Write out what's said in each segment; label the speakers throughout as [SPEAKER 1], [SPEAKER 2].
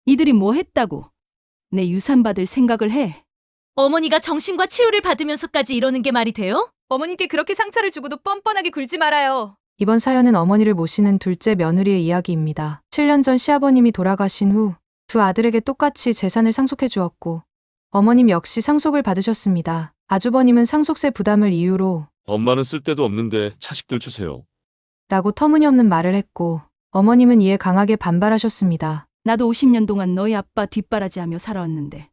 [SPEAKER 1] 이들이 뭐 했다고 내 유산 받을 생각을 해?
[SPEAKER 2] 어머니가 정신과 치유를 받으면서까지 이러는 게 말이 돼요?
[SPEAKER 3] 어머님께 그렇게 상처를 주고도 뻔뻔하게 굴지 말아요.
[SPEAKER 4] 이번 사연은 어머니를 모시는 둘째 며느리의 이야기입니다. 7년 전 시아버님이 돌아가신 후 두 아들에게 똑같이 재산을 상속해 주었고 어머님 역시 상속을 받으셨습니다. 아주버님은 상속세 부담을 이유로
[SPEAKER 5] 엄마는 쓸데도 없는데 자식들 주세요.
[SPEAKER 4] 라고 터무니없는 말을 했고 어머님은 이에 강하게 반발하셨습니다.
[SPEAKER 1] 나도 50년 동안 너희 아빠 뒷바라지하며 살아왔는데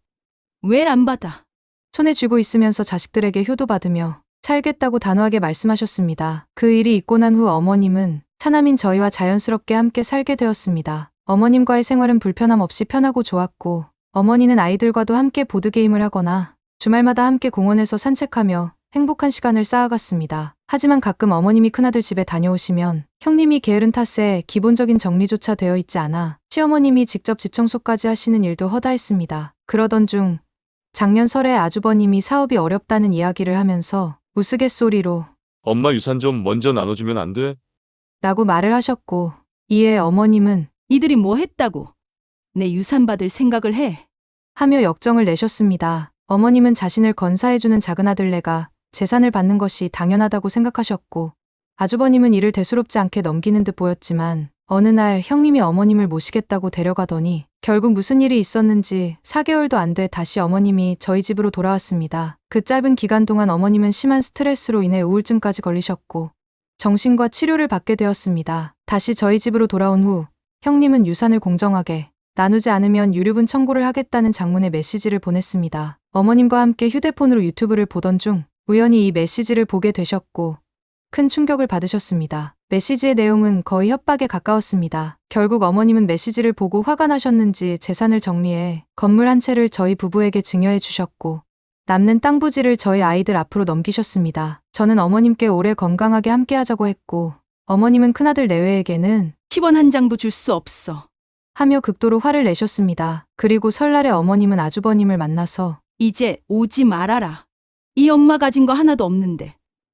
[SPEAKER 1] 왜 안 받아?
[SPEAKER 4] 손에 쥐고 있으면서 자식들에게 효도받으며 살겠다고 단호하게 말씀하셨습니다. 그 일이 있고 난 후 어머님은 차남인 저희와 자연스럽게 함께 살게 되었습니다. 어머님과의 생활은 불편함 없이 편하고 좋았고 어머니는 아이들과도 함께 보드게임을 하거나 주말마다 함께 공원에서 산책하며 행복한 시간을 쌓아갔습니다. 하지만 가끔 어머님이 큰아들 집에 다녀오시면 형님이 게으른 탓에 기본적인 정리조차 되어 있지 않아 시어머님이 직접 집 청소까지 하시는 일도 허다했습니다. 그러던 중 작년 설에 아주버님이 사업이 어렵다는 이야기를 하면서 우스갯소리로
[SPEAKER 5] 엄마 유산 좀 먼저 나눠주면 안 돼?
[SPEAKER 4] 라고 말을 하셨고 이에 어머님은
[SPEAKER 1] 이들이 뭐 했다고 내 유산 받을 생각을 해?
[SPEAKER 4] 하며 역정을 내셨습니다. 어머님은 자신을 건사해주는 작은아들네가 재산을 받는 것이 당연하다고 생각하셨고 아주버님은 이를 대수롭지 않게 넘기는 듯 보였지만 어느 날 형님이 어머님을 모시겠다고 데려가더니 결국 무슨 일이 있었는지 4개월도 안 돼 다시 어머님이 저희 집으로 돌아왔습니다. 그 짧은 기간 동안 어머님은 심한 스트레스로 인해 우울증까지 걸리셨고 정신과 치료를 받게 되었습니다. 다시 저희 집으로 돌아온 후 형님은 유산을 공정하게 나누지 않으면 유류분 청구를 하겠다는 장문의 메시지를 보냈습니다. 어머님과 함께 휴대폰으로 유튜브를 보던 중 우연히 이 메시지를 보게 되셨고 큰 충격을 받으셨습니다. 메시지의 내용은 거의 협박에 가까웠습니다. 결국 어머님은 메시지를 보고 화가 나셨는지 재산을 정리해 건물 한 채를 저희 부부에게 증여해 주셨고 남는 땅 부지를 저희 아이들 앞으로 넘기셨습니다. 저는 어머님께 오래 건강하게 함께 하자고 했고 어머님은 큰아들 내외에게는
[SPEAKER 1] 10원 한 장도 줄 수 없어.
[SPEAKER 4] 하며 극도로 화를 내셨습니다. 그리고 설날에 어머님은 아주버님을 만나서
[SPEAKER 1] 이제 오지 말아라. 이 엄마 가진 거 하나도 없는데.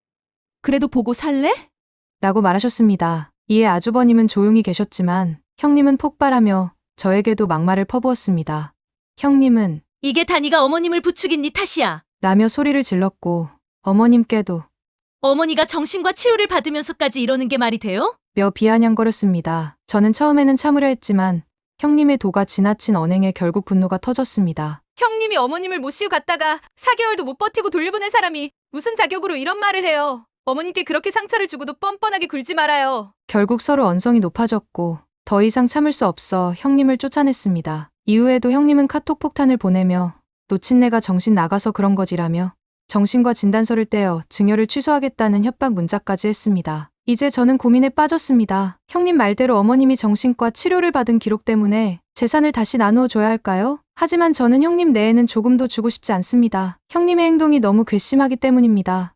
[SPEAKER 1] 그래도 보고 살래?
[SPEAKER 4] 라고 말하셨습니다. 이에 아주버님은 조용히 계셨지만 형님은 폭발하며 저에게도 막말을 퍼부었습니다. 형님은
[SPEAKER 2] 이게 다 네가 어머님을 부추긴 네 탓이야.
[SPEAKER 4] 라며 소리를 질렀고 어머님께도
[SPEAKER 2] 어머니가 정신과 치유를 받으면서까지 이러는 게 말이 돼요?
[SPEAKER 4] 며 비아냥거렸습니다. 저는 처음에는 참으려 했지만 형님의 도가 지나친 언행에 결국 분노가 터졌습니다.
[SPEAKER 3] 형님이 어머님을 모시고 갔다가 4개월도 못 버티고 돌려보낸 사람이 무슨 자격으로 이런 말을 해요. 어머님께 그렇게 상처를 주고도 뻔뻔하게 굴지 말아요.
[SPEAKER 4] 결국 서로 언성이 높아졌고 더 이상 참을 수 없어 형님을 쫓아냈습니다. 이후에도 형님은 카톡 폭탄을 보내며 놓친 내가 정신 나가서 그런 거지라며 정신과 진단서를 떼어 증여를 취소하겠다는 협박 문자까지 했습니다. 이제 저는 고민에 빠졌습니다. 형님 말대로 어머님이 정신과 치료를 받은 기록 때문에 재산을 다시 나누어 줘야 할까요? 하지만 저는 형님 내에는 조금도 주고 싶지 않습니다. 형님의 행동이 너무 괘씸하기 때문입니다.